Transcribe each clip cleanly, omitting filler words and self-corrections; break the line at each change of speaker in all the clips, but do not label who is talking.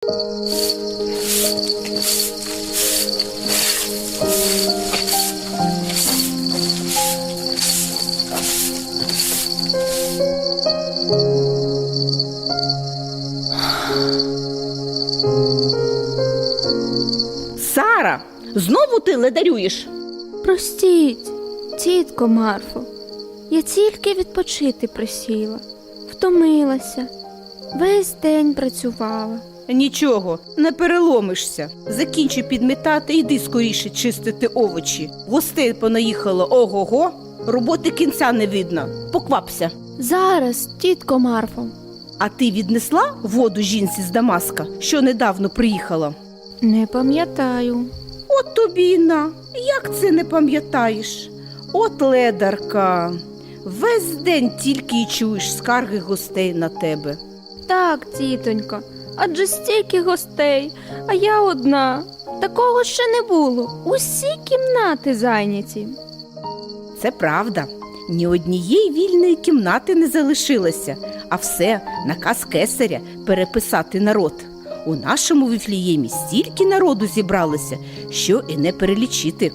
Сара, знову ти ледарюєш?
Простіть, тітко Марфо, я тільки відпочити присіла, втомилася, весь день працювала.
Нічого, не переломишся. Закінчуй підмітати, йди скоріше чистити овочі. Гостей понаїхало ого-го, роботи кінця не видно. Поквапся.
Зараз, тітко Марфо.
А ти віднесла воду жінці з Дамаска, що недавно приїхала?
Не пам'ятаю.
От тобі й на. Як це не пам'ятаєш? От ледарка. Весь день тільки й чуєш скарги гостей на тебе.
Так, тітонько, адже стільки гостей, а я одна. Такого ще не було. Усі кімнати зайняті.
Це правда. Ні однієї вільної кімнати не залишилося, а все наказ кесаря переписати народ. У нашому Вифлеємі стільки народу зібралося, що і не перелічити.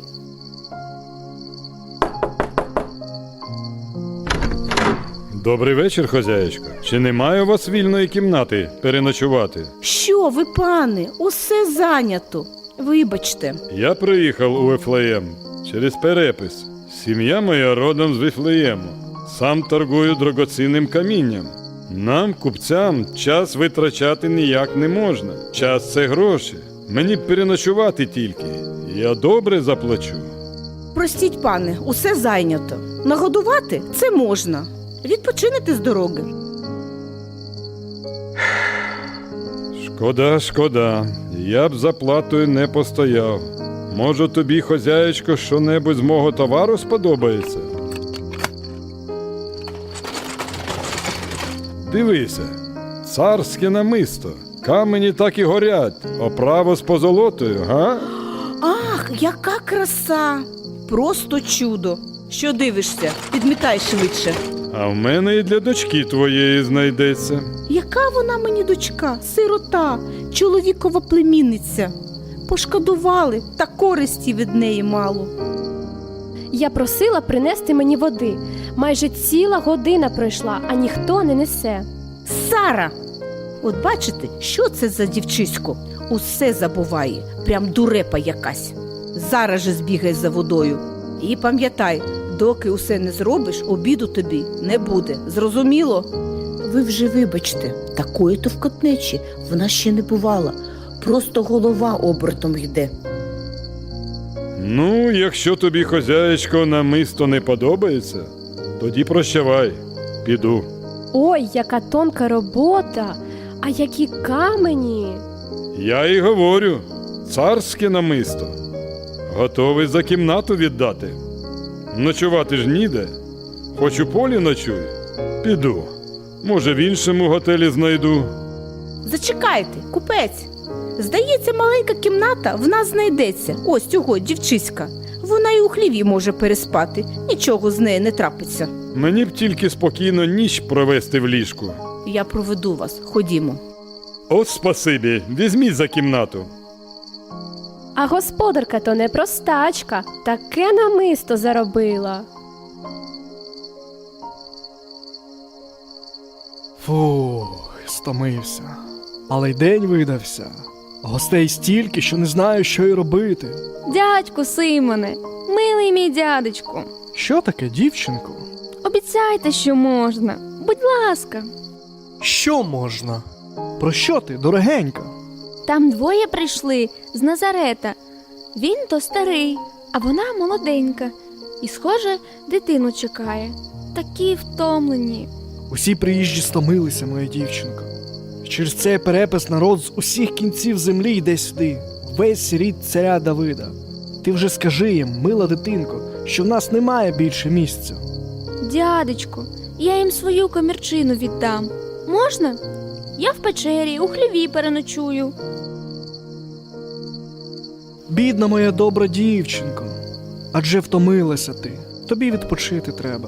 Добрий вечір, хазяєчко. Чи немає у вас вільної кімнати переночувати?
Що ви, пане, усе зайнято. Вибачте.
Я приїхав у Вифлеєм через перепис. Сім'я моя родом з Вифлеєму. Сам торгую дорогоцінним камінням. Нам, купцям, час витрачати ніяк не можна. Час – це гроші. Мені б переночувати тільки. Я добре заплачу.
Простіть, пане, усе зайнято. Нагодувати – це можна. Відпочинете з дороги.
Шкода. Я б за платою не постояв. Може, тобі, хозяєчко, що-небудь з мого товару сподобається? Дивися, царське намисто. Камені так і горять, оправа з позолотою, га?
Ах, яка краса! Просто чудо! Що дивишся? Підмітай швидше.
А в мене і для дочки твоєї знайдеться.
Яка вона мені дочка, сирота, чоловікова племінниця. Пошкодували, та користі від неї мало.
Я просила принести мені води. Майже ціла година пройшла, а ніхто не несе.
Сара! От бачите, що це за дівчисько? Усе забуває, прям дурепа якась. Зараз же збігай за водою. І пам'ятай, доки усе не зробиш, обіду тобі не буде. Зрозуміло? Ви вже вибачте, такої товкотнечі вона ще не бувала. Просто голова обертом йде.
Ну, якщо тобі, хозяєчко, намисто не подобається, тоді прощавай, піду.
Ой, яка тонка робота, а які камені.
Я і говорю, царське намисто. Готовий за кімнату віддати. Ночувати ж ніде. Хоч у полі ночуй, піду. Може, в іншому готелі знайду.
Зачекайте, купець. Здається, маленька кімната в нас знайдеться. Ось цього дівчиська. Вона і у хліві може переспати. Нічого з нею не трапиться.
Мені б тільки спокійно ніч провести в ліжку.
Я проведу вас. Ходімо.
От спасибі, візьміть за кімнату.
А господарка то не простачка, таке намисто заробила.
Фух, стомився. Але й день видався. Гостей стільки, що не знаю, що й робити.
Дядьку Симоне, милий мій дядечку,
Що таке, дівчинко?
обіцяйте, що можна. Будь ласка.
Що можна? Про що ти, дорогенька?
Там двоє прийшли з Назарета. Він то старий, а вона молоденька. І, схоже, дитину чекає. Такі втомлені.
Усі приїжджі стомилися, моя дівчинко. Через цей перепис народ з усіх кінців землі йде сюди, весь рід царя Давида. Ти вже скажи їм, мила дитинко, що в нас немає більше місця.
Дядечку, я їм свою комірчину віддам. Можна? Я в печері, у хліві переночую.
Бідна моя добра дівчинко, адже втомилася ти, тобі відпочити треба.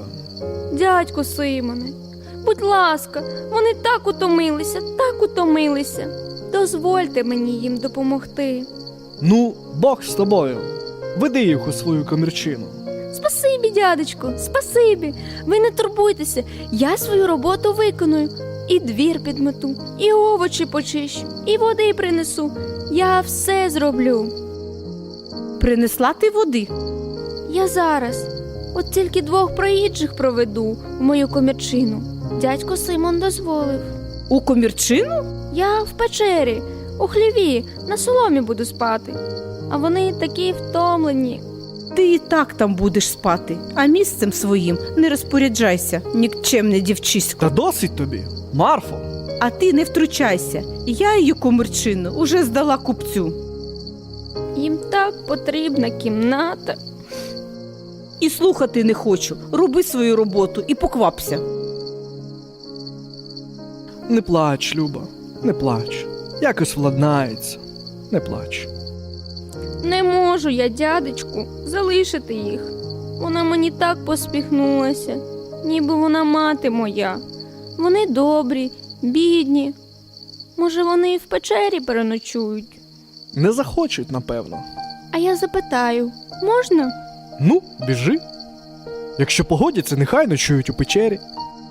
Дядьку Симоне, будь ласка, вони так утомилися. Дозвольте мені їм допомогти.
Ну, Бог з тобою. Веди їх у свою комірчину.
Спасибі, дядечко, спасибі. Ви не турбуйтеся, я свою роботу виконую. І двір підмету, і овочі почищу, і води принесу. Я все зроблю.
Принесла ти води?
Я зараз. От тільки 2 проїжджих проведу в мою комірчину. Дядько Симон дозволив.
У комірчину?
Я в печері, у хліві, на соломі буду спати. А вони такі втомлені.
Ти і так там будеш спати, а місцем своїм не розпоряджайся, нікчемне дівчисько.
Та досить тобі, Марфо.
А ти не втручайся. Я її комірчину уже здала купцю.
Їм так потрібна кімната.
І слухати не хочу. Роби свою роботу і поквапся.
Не плач, Люба, не плач. Якось владнається. Не плач.
Не можу я, дядечку, залишити їх. Вона мені так посміхнулася, ніби вона мати моя. Вони добрі, бідні. Може, вони і в печері переночують.
Не захочуть, напевно.
А я запитаю, можна?
Ну, біжи. Якщо погодяться, нехай ночують у печері.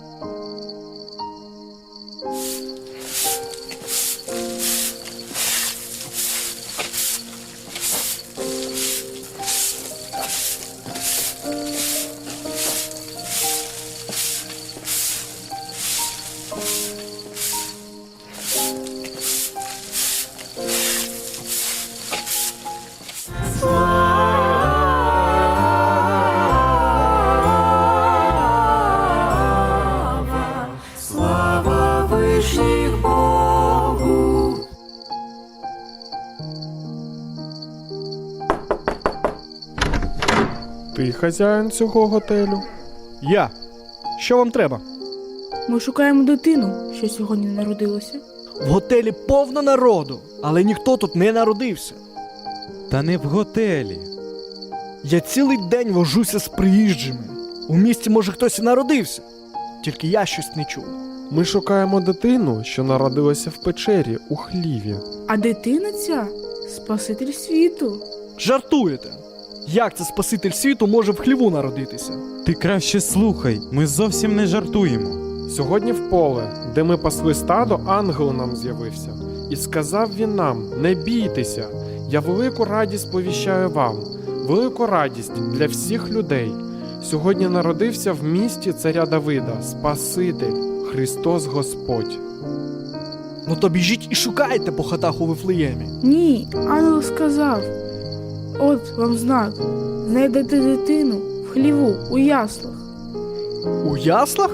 Ти хазяїн цього готелю?
Я. Що вам треба?
Ми шукаємо дитину, що сьогодні народилася.
В готелі повно народу, але ніхто тут не народився.
Та не в готелі.
Я цілий день вожуся з приїжджими. У місті, може, хтось і народився. Тільки я щось не чув.
Ми шукаємо дитину, що народилася в печері у хліві.
А дитина ця Спаситель світу.
Жартуєте? Як це Спаситель світу може в хліву народитися?
Ти краще слухай, ми зовсім не жартуємо.
Сьогодні в поле, де ми пасли стадо, ангел нам з'явився. І сказав він нам: не бійтеся, я велику радість повіщаю вам, велику радість для всіх людей. Сьогодні народився в місті царя Давида Спаситель, Христос Господь.
Ну то біжіть і шукайте по хатах у Вифлеємі.
Ні, ангел сказав. От вам знак. Знайдете дитину в хліву, у яслах.
У яслах?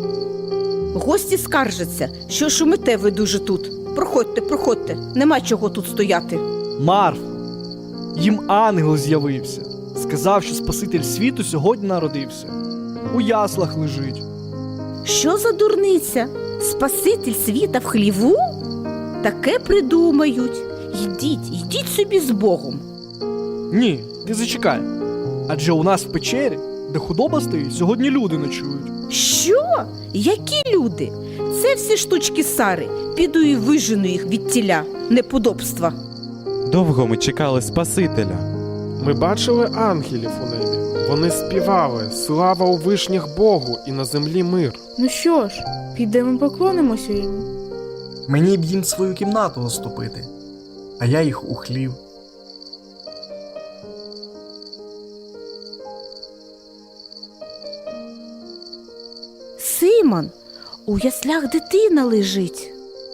Гості скаржаться, що шумите ви дуже тут. Проходьте, проходьте, нема чого тут стояти.
Марф, їм ангел з'явився. Сказав, що Спаситель світу сьогодні народився. У яслах лежить.
Що за дурниця? Спаситель світа в хліву? Таке придумають. Йдіть собі з Богом.
Ні, ти зачекай. Адже у нас в печері, де худоба стоїть, сьогодні люди ночують.
Що? Які люди? Це всі штучки Сари. Піду і вижену їх від тіля, неподобства.
Довго ми чекали Спасителя.
Ми бачили ангелів у небі. Вони співали: слава у вишніх Богу і на землі мир.
Ну що ж, підемо поклонимося йому.
Мені б їм свою кімнату уступити, а я їх у хлів.
Симон, у яслях дитина лежить.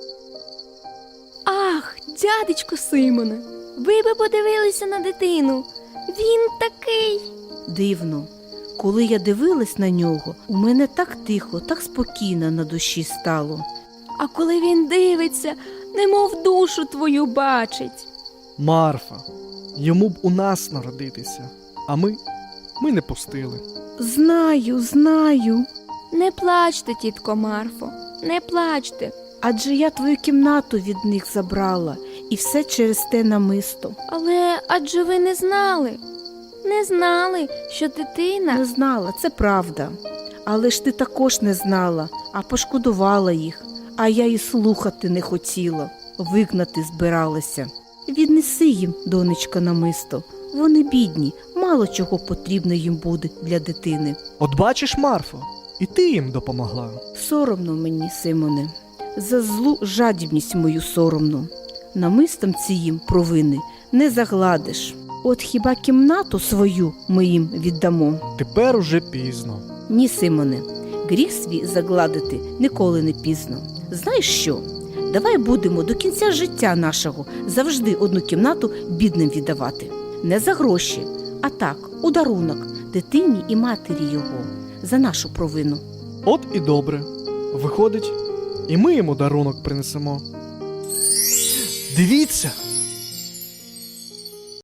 Ах, дядечко Симоне, ви би подивилися на дитину. Він такий.
Дивно. Коли я дивилась на нього, у мене так тихо, так спокійно на душі стало.
А коли він дивиться, немов душу твою бачить.
Марфа, йому б у нас народитися, а ми не пустили.
Знаю.
Не плачте, тітко Марфо, не плачте.
Адже я твою кімнату від них забрала, і все через те намисто.
Але адже ви не знали, що дитина...
Не знала, це правда. Але ж ти також не знала, а пошкодувала їх. А я і слухати не хотіла. вигнати збиралася. Віднеси їм, донечка, намисто. Вони бідні, мало чого потрібно їм буде для дитини.
От бачиш, Марфо, і ти їм допомогла.
Соромно мені, Симоне, за злу жадібність мою соромно. Намистом ціїм провини не загладиш. От хіба кімнату свою ми їм віддамо?
Тепер уже пізно.
Ні, Симоне, гріх свій загладити ніколи не пізно. Знаєш що? Давай будемо до кінця життя нашого завжди одну кімнату бідним віддавати. Не за гроші, а так, у дарунок дитині і матері його за нашу провину.
От і добре. Виходить, і ми йому дарунок принесемо. Дивіться,